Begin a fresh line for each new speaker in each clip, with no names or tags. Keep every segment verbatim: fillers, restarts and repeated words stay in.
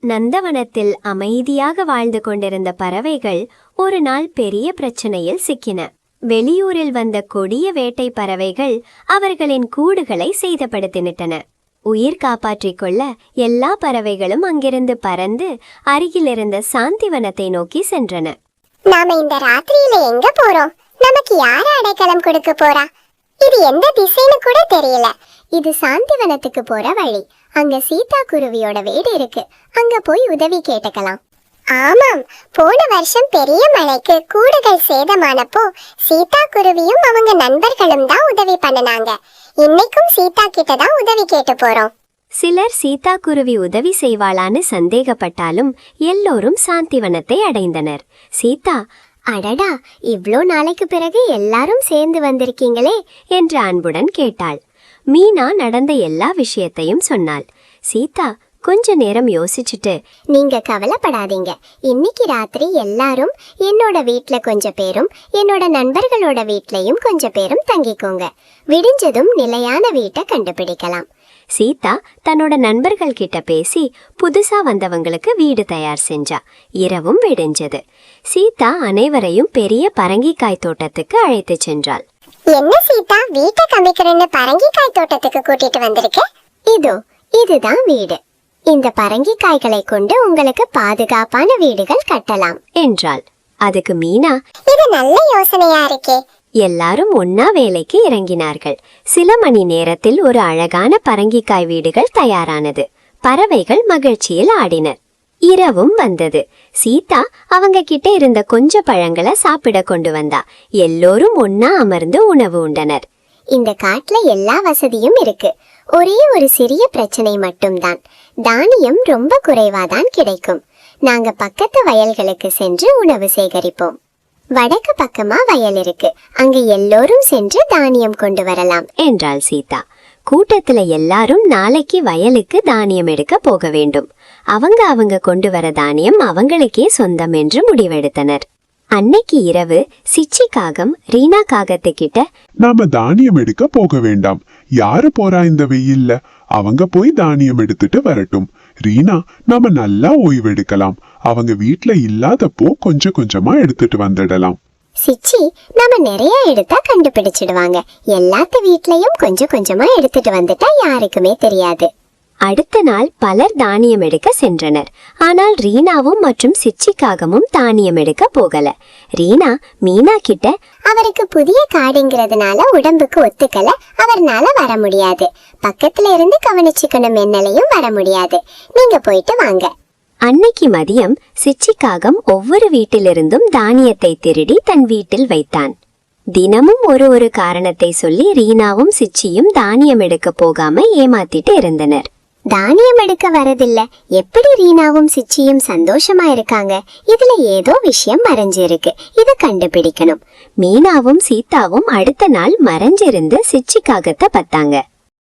நந்தவனத்தில் அமைதியாக வாழ்ந்து கொண்டிருந்த பறவைகள் ஒரு நாள் பெரிய பிரச்சனையில் சிக்கின. வெளியூரில் வந்த கொடிய வேட்டை பறவைகள் அவர்களின் கூடுகளை சேதப்படுத்திவிட்டன. உயிர் காப்பாற்றிக் கொள்ள எல்லா பறவைகளும் அங்கிருந்து பறந்து அருகிலிருந்த சாந்திவனத்தை நோக்கி சென்றன.
நாம இந்த ராத்திரியில எங்க போறோம்? நமக்கு யார அடைக்கலம் கொடுக்க போறா? இது எந்த திசைன்னு கூட தெரியல. இது சாந்திவனத்துக்கு போற வழி. அங்க சீதா குருவியோட வீடு இருக்கு. அங்க போய் உதவி கேட்டுக்கலாம். ஆமாம், போன வருஷம் பெரிய மழைக்கு கூடுகள் சேதமானப்போ சீதா குருவியும் அவங்க நண்பர்களும் தான் உதவி பண்ணனாங்க. இன்னைக்கும் சீதா கிட்ட தான் உதவி கேட்டு போறோம்.
சிலர் சீதா குருவி உதவி செய்வாளான்னு சந்தேகப்பட்டாலும் எல்லோரும் சாந்திவனத்தை அடைந்தனர். சீதா,
அடடா, இவ்ளோ நாளைக்கு பிறகு எல்லாரும் சேர்ந்து வந்திருக்கீங்களே
என்று அன்புடன் கேட்டாள். மீனா நடந்த எல்லா விஷயத்தையும் சொன்னாள். சீதா கொஞ்ச நேரம் யோசிச்சுட்டு,
நீங்க கவலைப்படாதீங்க, இன்னைக்கு ராத்திரி எல்லாரும் என்னோட வீட்ல கொஞ்ச பேரும் என்னோட நண்பர்களோட வீட்லயும் கொஞ்ச பேரும் தங்கிக்கோங்க. விடிஞ்சதும் நிலையான வீட்டை கண்டுபிடிக்கலாம்.
சீதா தன்னோட நண்பர்கள் கிட்ட பேசி புதுசா வந்தவங்களுக்கு வீடு தயார் செஞ்சா. இரவும் விடிஞ்சது. சீதா அனைவரையும் பெரிய பரங்கிக்காய் தோட்டத்துக்கு அழைத்து சென்றாள்.
என்ன சீதா, வீட்டை கமிக்கிறேன்னு பரங்கிக்காய் தோட்டத்துக்கு கூட்டிட்டு வந்திருக்க? இதோ இதுதான் வீடு. இந்த பரங்கிக்காய்களை கொண்டு உங்களுக்கு பாதுகாப்பான வீடுகள் கட்டலாம்
என்றாள். அதுக்கு மீனா,
இது நல்ல யோசனையா இருக்கே.
எல்லாரும் ஒன்னா வேலைக்கு இறங்கினார்கள். சில மணி நேரத்தில் ஒரு அழகான பரங்கிக்காய் வீடுகள் தயாரானது. பறவைகள் மகிழ்ச்சியில் ஆடினர். இரவும் வந்தது. சீதா அவங்க கிட்ட இருந்த கொஞ்ச பழங்களை சாப்பிட கொண்டு வந்தா. எல்லோரும் ஒன்னா அமர்ந்து உணவு உண்டனர்.
இந்த காட்டுல எல்லா வசதியும் இருக்கு. ஒரே ஒரு சிறிய பிரச்சனை மட்டும்தான். தானியம் ரொம்ப குறைவாதான் கிடைக்கும். நாங்க பக்கத்து வயல்களுக்கு சென்று உணவு சேகரிப்போம். வடக்கு பக்கமா வயல் இருக்கு. அங்க எல்லோரும் சென்று தானியம் கொண்டு வரலாம்
என்றாள் சீதா. கூட்டத்துல எல்லாரும் நாளைக்கு வயலுக்கு தானியம் எடுக்க போக வேண்டும். அவங்க அவங்க கொண்டு வர தானியம் அவங்களுக்கே சொந்தம் என்று முடிவெடுத்தனர். அன்னைக்கு இரவு சிச்சி காகம் ரீனா காகத்துக்கிட்ட,
நாம தானியம் எடுக்க போக வேண்டாம். யாரு போறா இந்த வெயில்ல? அவங்க போய் தானியம் எடுத்துட்டு வரட்டும். ரீனா, நாம நல்லா ஓய்வெடுக்கலாம். அவங்க வீட்ல இல்லாதப்போ கொஞ்சம் கொஞ்சமா எடுத்துட்டு வந்துடலாம்.
சிச்சி, நாம நிறைய எடுத்தா கண்டுபிடிச்சிடுவாங்க. எல்லாத்து வீட்லயும் கொஞ்சம் கொஞ்சமா எடுத்துட்டு வந்துட்டா யாருக்குமே தெரியாது.
அடுத்த நாள் பலர் தானியம் எடுக்க சென்றனர். ஆனால் ரீனாவும் மற்றும் சிச்சிக்காகமும் தானியம் எடுக்க போகல. ரீனா மீனா கிட்ட,
அவருக்கு புதிய காடுங்கிறதுனால உடம்புக்கு ஒத்துக்கல, அவர்னால வர முடியாது. பக்கத்துல இருந்து கவனிச்சுக்கணும், என்னாலையும் வர முடியாது. நீங்க போயிட்டு வாங்க.
அன்னைக்கு மதியம் சிச்சிக்காகம் ஒவ்வொரு வீட்டிலிருந்தும் தானியத்தை திருடி தன் வீட்டில் வைத்தான். தினமும் ஒரு ஒரு காரணத்தை சொல்லி ரீனாவும் சிச்சியும் தானியம் எடுக்க போகாம ஏமாத்திட்டு இருந்தனர்.
தானியம் எடுக்க வரதில்ல, எப்படி ரீனாவும் சிச்சியும் சந்தோஷமா இருக்காங்க? இதுல ஏதோ விஷயம் மறைஞ்சிருக்கு, இத கண்டுபிடிக்கணும்.
மீனாவும் சீதாவும் அடுத்த நாள் மறைஞ்சிருந்து சிச்சிக்காகத்தை பார்த்தாங்க.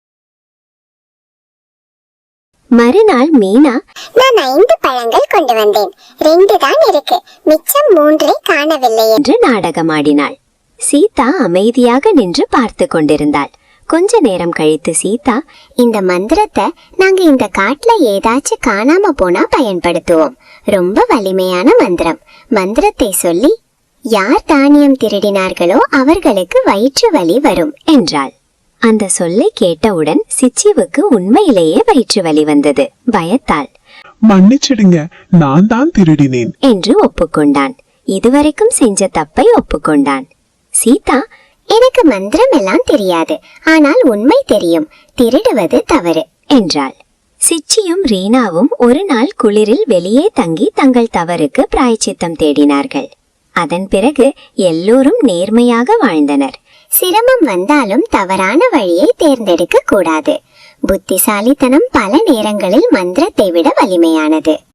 மறுநாள் மீனா,
நான் ஐந்து பழங்கள் கொண்டு வந்தேன், ரெண்டு தான் இருக்கு, மிச்சம் மூன்றை காணவில்லை
என்று நாடகமாடினாள். சீதா அமைதியாக நின்று பார்த்து கொண்டிருந்தாள். கொஞ்ச நேரம் கழித்து சீதா,
இந்த மந்திரத்தை நாங்க இந்த காட்டுல ஏதாச்சும் காணாம போனா பயன்படுத்துவோம். ரொம்ப வலிமையான மந்திரம். மந்திரத்தை சொல்லி யார் தானியம் திருடினார்களோ அவர்களுக்கு வயிற்று வலி வரும்
என்றாள். அந்த சொல்லை கேட்டவுடன் சிச்சிவுக்கு உண்மையிலேயே வயிற்று வலி வந்தது. பயத்தாள்.
மன்னிச்சிடுங்க, நான் தான் திருடினேன்
என்று ஒப்புக்கொண்டான். இதுவரைக்கும் செஞ்ச தப்பை ஒப்புக்கொண்டான். சீதா,
எனக்கு மந்திரம் எல்லாம் தெரியாது, ஆனால் உண்மை தெரியும், திருடுவது தவறு
என்றாள். சிச்சியும் ரீனாவும் ஒரு நாள் குளிரில் வெளியே தங்கி தங்கள் தவறுக்கு பிராயச்சித்தம் தேடினார்கள். அதன் பிறகு எல்லோரும் நேர்மையாக வாழ்ந்தனர்.
சிரமம் வந்தாலும் தவறான வழியை தேர்ந்தெடுக்க கூடாது. புத்திசாலித்தனம் பல நேரங்களில் மந்திரத்தை விட வலிமையானது.